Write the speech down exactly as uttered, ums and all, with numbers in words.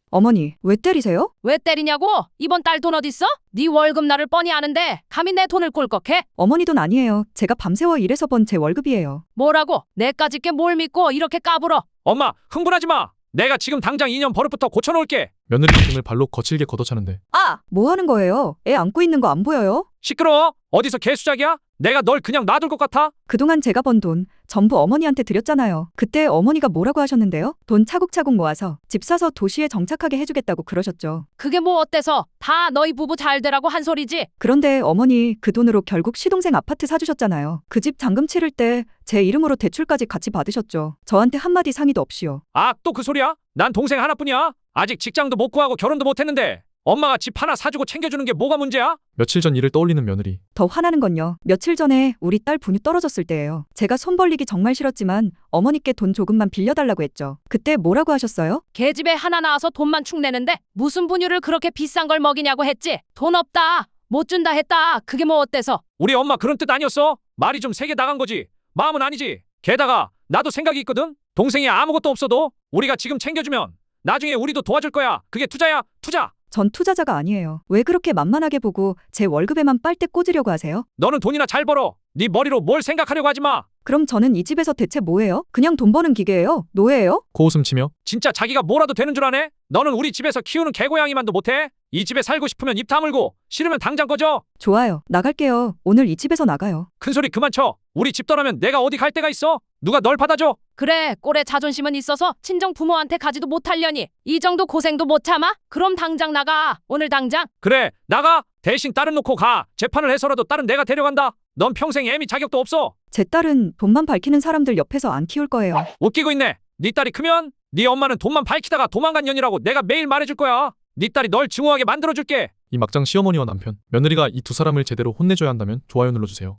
어머니, 왜 때리세요? 왜 때리냐고? 이번 달 돈 어딨어? 네 월급날을 뻔히 아는데 감히 내 돈을 꼴꺽해? 어머니 돈 아니에요. 제가 밤새워 일해서 번 제 월급이에요. 뭐라고? 내까짓 게 뭘 믿고 이렇게 까불어? 엄마, 흥분하지 마. 내가 지금 당장 이년 버릇부터 고쳐놓을게. 며느리 등을 발로 거칠게 걷어차는데 아! 뭐 하는 거예요? 애 안고 있는 거 안 보여요? 시끄러워. 어디서 개수작이야? 내가 널 그냥 놔둘 것 같아? 그동안 제가 번 돈 전부 어머니한테 드렸잖아요. 그때 어머니가 뭐라고 하셨는데요? 돈 차곡차곡 모아서 집 사서 도시에 정착하게 해주겠다고 그러셨죠. 그게 뭐 어때서? 다 너희 부부 잘 되라고 한 소리지? 그런데 어머니 그 돈으로 결국 시동생 아파트 사주셨잖아요. 그 집 잔금 치를 때 제 이름으로 대출까지 같이 받으셨죠. 저한테 한마디 상의도 없이요. 아, 또 그 소리야? 난 동생 하나뿐이야. 아직 직장도 못 구하고 결혼도 못 했는데 엄마가 집 하나 사주고 챙겨주는 게 뭐가 문제야? 며칠 전 일을 떠올리는 며느리. 더 화나는 건요. 며칠 전에 우리 딸 분유 떨어졌을 때예요. 제가 손 벌리기 정말 싫었지만 어머니께 돈 조금만 빌려달라고 했죠. 그때 뭐라고 하셨어요? 개집에 하나 낳아서 돈만 축내는데 무슨 분유를 그렇게 비싼 걸 먹이냐고 했지? 돈 없다. 못 준다 했다. 그게 뭐 어때서? 우리 엄마 그런 뜻 아니었어. 말이 좀 세게 나간 거지. 마음은 아니지. 게다가 나도 생각이 있거든. 동생이 아무것도 없어도 우리가 지금 챙겨주면 나중에 우리도 도와줄 거야. 그게 투자야, 투자. 전 투자자가 아니에요. 왜 그렇게 만만하게 보고 제 월급에만 빨대 꽂으려고 하세요? 너는 돈이나 잘 벌어. 네 머리로 뭘 생각하려고 하지 마. 그럼 저는 이 집에서 대체 뭐예요? 그냥 돈 버는 기계예요? 노예예요? 코웃음 치며 진짜 자기가 뭐라도 되는 줄 아네? 너는 우리 집에서 키우는 개고양이만도 못해? 이 집에 살고 싶으면 입 다물고 싫으면 당장 꺼져. 좋아요. 나갈게요. 오늘 이 집에서 나가요. 큰소리 그만 쳐. 우리 집 떠나면 내가 어디 갈 데가 있어? 누가 널 받아줘? 그래, 꼴에 자존심은 있어서 친정 부모한테 가지도 못하려니 이 정도 고생도 못 참아? 그럼 당장 나가. 오늘 당장. 그래, 나가. 대신 딸은 놓고 가. 재판을 해서라도 딸은 내가 데려간다. 넌 평생 애미 자격도 없어. 제 딸은 돈만 밝히는 사람들 옆에서 안 키울 거예요. 웃기고 있네. 네 딸이 크면 네 엄마는 돈만 밝히다가 도망간 년이라고 내가 매일 말해줄 거야. 네 딸이 널 증오하게 만들어줄게. 이 막장 시어머니와 남편, 며느리가 이 두 사람을 제대로 혼내줘야 한다면 좋아요 눌러주세요.